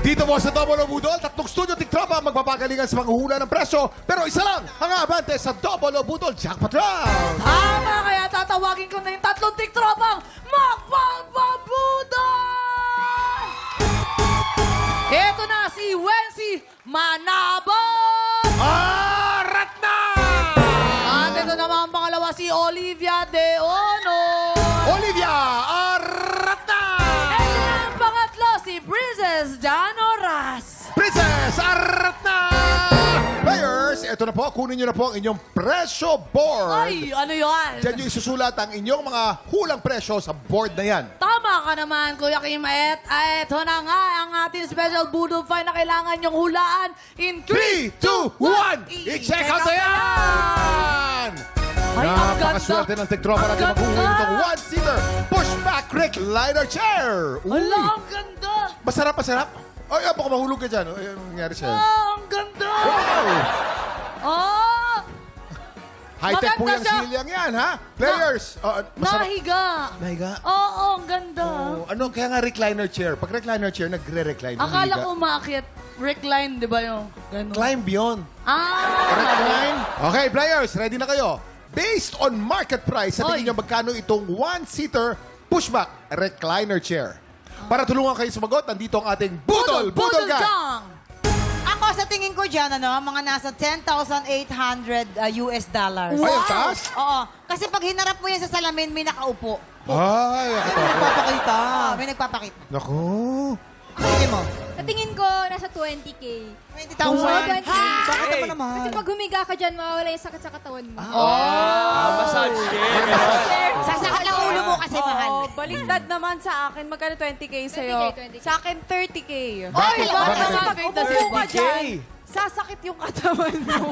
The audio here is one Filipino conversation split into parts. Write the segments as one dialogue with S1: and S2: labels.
S1: Dito po sa Double O Budol, tatlong studio tiktropa ang magpapagalingan sa panghuhula ng presyo. Pero isa lang ang abante sa Double O Budol Jackpot Round.
S2: Tama, kaya tatawagin ko na yung tatlong tiktropang magpapabudol! Ito na si Wency Manabon!
S1: Arat na!
S2: At ito naman ang pangalawa si Olivia De Ono.
S1: Olivia, arat na!
S2: At ang pangatlo si Princess Danoras.
S1: Princess, arat na! Players, ito na po. Kunin nyo na po ang inyong presyo board.
S2: Ay, ano yan?
S1: Diyan nyo isusulat ang inyong mga hulang presyo sa board na yan.
S2: Tama ka naman, Kuya Kim. Ito na nga ang ating special Budol Find na kailangan yung hulaan in
S1: 3, 2, 1! I-check out na yan!
S2: Ay, ang ganda.
S1: Napakaswerte ng tiktropa natin
S2: Ang
S1: maghuhuli
S2: ganda.
S1: itong one-seater pushback recliner chair. Uy!
S2: Hala, ang ganda.
S1: Masarap, masarap. Ay, baka mahulog ka dyan. Ay, anong nangyari sa'yo?
S2: Ang ganda.
S1: Wow!
S2: Oh,
S1: High-tech po
S2: Maganda
S1: yung
S2: siya.
S1: silyang yan, ha? Players! Masarap.
S2: nahiga.
S1: Nahiga?
S2: Oo, ang ganda.
S1: Oh, ano, kaya nga recliner chair. Pag recliner chair, nagre-recline.
S2: Akala
S1: humihiga.
S2: ko umakyat. Recline, di ba yung ganun?
S1: Climb beyond.
S2: Ah,
S1: Recline. Okay, players, ready na kayo? Based on market price, sa tingin
S2: Oy.
S1: nyo magkano itong one-seater pushback recliner chair? Para tulungan kayo sumagot, nandito ang ating Budol Gang!
S2: Gang!
S3: Ako sa tingin ko dyan, mga nasa 10,800 US dollars.
S1: Ay, ang taas?
S3: Oo. Kasi pag hinarap mo yan sa salamin, may nakaupo.
S1: Ay, ako.
S3: Nagpapakita. May nagpapakita.
S1: Naku.
S3: Tingin mo?
S4: Sa tingin ko, nasa 20K.
S3: 20,000.
S4: Bakit
S3: Bakit naman naman?
S4: Kasi pag humiga ka dyan, mawawala yung sakit sa katawan mo.
S5: Massage chair.
S3: Sasakal ang ulo mo kasi mahal.
S6: Oh, baliktad naman sa akin. Magkano 20K sa'yo?
S4: 20K.
S6: Sa akin, 30K.
S2: Oy,
S1: Bakit?
S2: bakit
S1: Bakit?
S2: naman
S6: Pag
S2: bigla
S6: umupo ka
S1: 20K?
S6: dyan, sasakit yung katawan mo.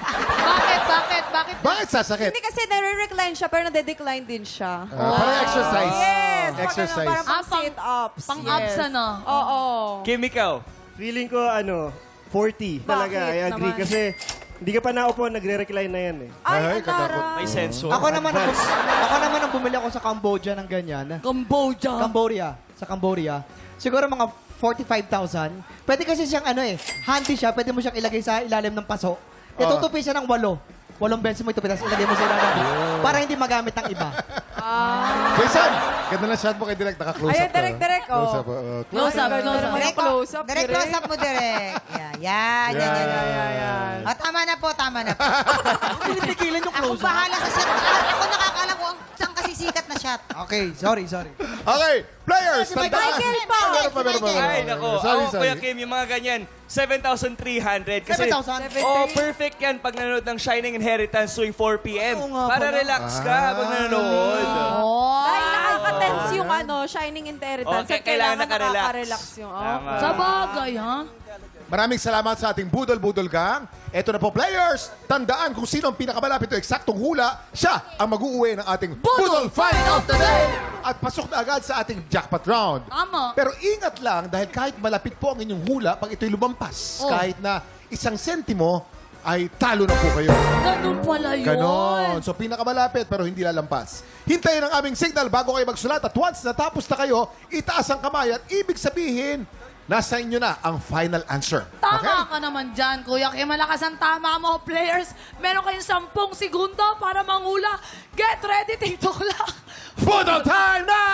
S2: Bakit?
S1: Bakit sasakit?
S6: Hindi kasi nare-recline siya, pero nade-decline din siya.
S1: Parang exercise.
S6: Yes!
S1: Exercise.
S6: Parang
S2: Ah,
S6: pang sit-ups.
S2: pang-ups, ano?
S6: Oo.
S5: Kim, ikaw.
S7: Feeling ko, 40 talaga.
S6: Bakit
S7: I agree.
S6: naman?
S7: Kasi hindi ka pa naupo, nagre-recline na yan eh.
S6: Ay,
S1: Ay,
S6: ang taray.
S5: May sensor.
S8: Ako naman ang bumili ako sa Cambodia ng ganyan.
S2: Cambodia.
S8: Sa Cambodia. Siguro mga 45,000. Pwede kasi siyang handy siya. Pwede mo siyang ilagay sa ilalim ng paso. Itutupi siya ng 8 beses mo itupi, tapos ilagay mo sa ilalim. Para hindi magamit ng iba.
S1: Jason, ganda na shot mo kay Direk. Naka-close
S6: Ayan,
S1: up ka.
S6: Direk, oh.
S1: Close up.
S2: Close up.
S3: Direct
S6: close-up,
S3: Direct
S6: direct.
S3: close up mo, direct. Yan. Tama na po.
S8: Pinipigilan yung
S3: Ako
S8: close up.
S3: bahala sa shot. Ako nakakaalam kung saan kasi sikat na shot.
S8: Okay, sorry.
S1: Okay, players, tandaan.
S3: Michael pa.
S1: Meron pa.
S5: Ay, nako.
S1: Sorry.
S5: Kuya Kim, yung mga ganyan, 7,300. Kasi,
S8: 7,000?
S5: perfect yan pag nanonood ng Shining Inheritance tuwing 4 p.m.
S8: Oo nga
S5: Para
S8: pala.
S5: relax ka habang nanonood.
S2: Oh.
S6: Dahil nakaka-tense yung Shining Inheritance.
S5: Okay, kailangan nakarelax.
S6: Nakaka-relax yung...
S5: Tama.
S2: Sa bagay, ha?
S1: Maraming salamat sa ating Budol Gang. Ito na po, players. Tandaan kung sino ang pinakamalapit o eksaktong hula, siya ang mag-uuwi ng ating Budol Find of the Day. At pasok na agad sa ating jackpot round.
S2: Tama.
S1: Pero ingat lang dahil kahit malapit po ang inyong hula, pag ito'y lumampas,
S2: Oh.
S1: kahit na 1 sentimo, ay talo na po kayo.
S2: Ganun pala yun.
S1: Ganon. So, pinakamalapit pero hindi lalampas. Hintayin ang aming signal bago kayo magsulat at once natapos na kayo, itaas ang kamay at ibig sabihin, nasa inyo na ang final answer.
S2: Tama ka naman dyan, Kuya Kim. Malakas ang tama mo, players. Meron kayong 10 segundo para manghula. Get ready, TikTok lang.
S1: Budol time na!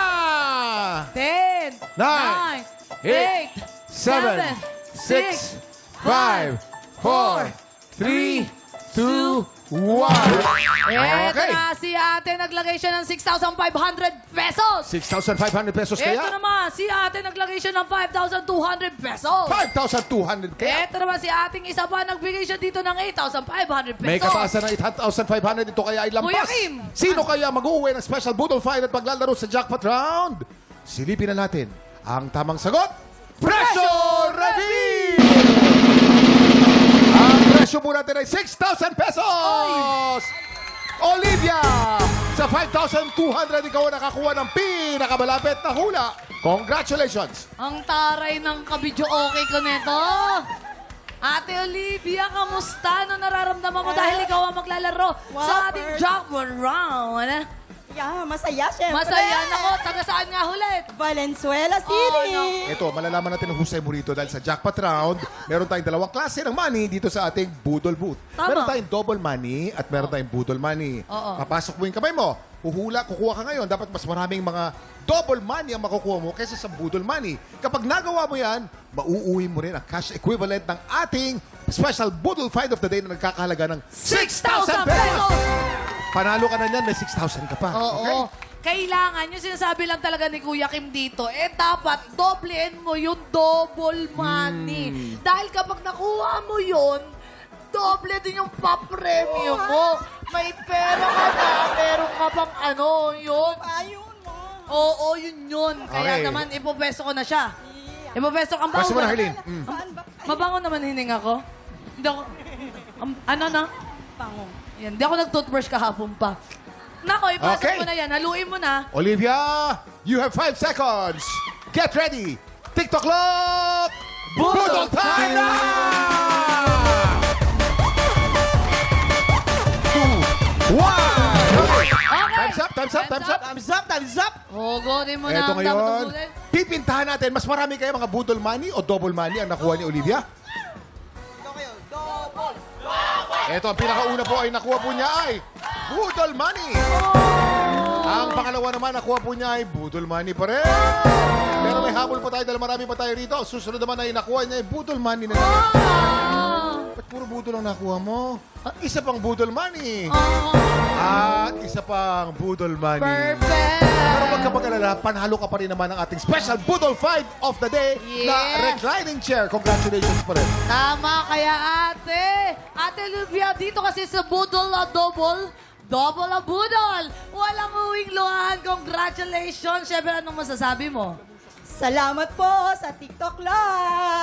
S2: 10,
S1: 9,
S2: 8,
S1: 7, 6, 5, 4, 3, 2, 1.
S2: Eto
S1: Okay.
S2: na, si ate naglagay siya ng 6,500 pesos.
S1: 6,500 pesos
S2: Eto
S1: kaya?
S2: naman, si ate naglagay siya ng 5,200 pesos.
S1: 5,200 kaya?
S2: Eto naman, si ating isa pa nagbigay siya dito ng 8,500 pesos.
S1: May kataasan ng 8,500. Ito kaya ay lampas.
S2: Kuya Kim.
S1: Sino kaya mag-uwi ng special Budol Fight at maglalaro sa jackpot round? Silipin na natin ang tamang sagot. Pressure Reveal! Ang presyo po natin ay 6,000 pesos! Olivia! Sa 5,200, ikaw ang nakakuha ng pinakamalapit na hula. Congratulations!
S2: Ang taray ng kabidyo okay ko neto. Ate Olivia, kamusta? Ano nararamdaman mo dahil ikaw ang maglalaro sa ating jackpot round?
S3: Yeah, masaya, syempre.
S2: Masaya na ko. Taga saan nga ulit?
S3: Valenzuela City.
S1: Ito, malalaman natin ang husay mo rito dahil sa jackpot round, meron tayong dalawang klase ng money dito sa ating Budol booth.
S2: Tama.
S1: Meron tayong double money at meron tayong Budol money.
S2: Oo.
S1: Papasok mo yung kamay mo, kukuha ka ngayon. Dapat mas maraming mga double money ang makukuha mo kaysa sa Budol money. Kapag nagawa mo yan, mauuwi mo rin ang cash equivalent ng ating special Budol Find of the Day na nagkakahalaga ng
S2: 6,000 pesos!
S1: Panalo ka na niyan, may 6,000 ka pa.
S2: Oo.
S1: Okay?
S2: Kailangan, yung sinasabi lang talaga ni Kuya Kim dito, dapat doblein mo yung double money. Dahil kapag nakuha mo yun, doble din yung papremyo mo. May pera ka na, meron ka pang yun.
S3: Ayun mo.
S2: Oo, yun. Kaya
S1: Okay.
S2: naman, ipopesto ko na siya. Ipopesto ang
S1: Pwesto mo na,
S2: bango.
S1: Harleen.
S2: Mabango naman hininga ko. Hindi ako, ano na?
S3: Pango.
S2: Yan, hindi ako nag-toothbrush kahapon pa. Nako, ipasok
S1: Okay.
S2: mo na yan. Haluin mo na.
S1: Olivia, you have 5 seconds. Get ready. TikTok clock. Budol time na! 2, 1.
S2: Okay.
S1: Time's up, time's up, time's up.
S8: Thumbs up, thumbs up!
S2: Hugodin mo na
S1: Eto
S2: ang
S1: ngayon,
S2: dapat hugodin.
S1: pipintahan natin. Mas marami kayo mga budol money o double money ang nakuha ni Olivia? Ito, ang pinakauna po ay nakuha po niya ay budol money. Ang pangalawa naman nakuha po niya ay budol money pa rin. Pero may habol pa tayo dahil marami pa tayo rito. Susunod naman ay nakuha niya ay budol money na naman. Ba't puro budol ang nakuha mo? Isa pang budol money. At isa pang budol money.
S2: Perfect!
S1: Pero wag ka mag-alala, panalo ka pa rin naman ng ating special Budol Find of the Day na
S2: Yes.
S1: reclining chair. Congratulations pa rin.
S2: Tama kaya ate. Ate Olivia, dito kasi sa Budol na double ang budol. Walang uwing luhaan. Congratulations. Siyempre, anong masasabi mo?
S3: Salamat po sa TikTok Live.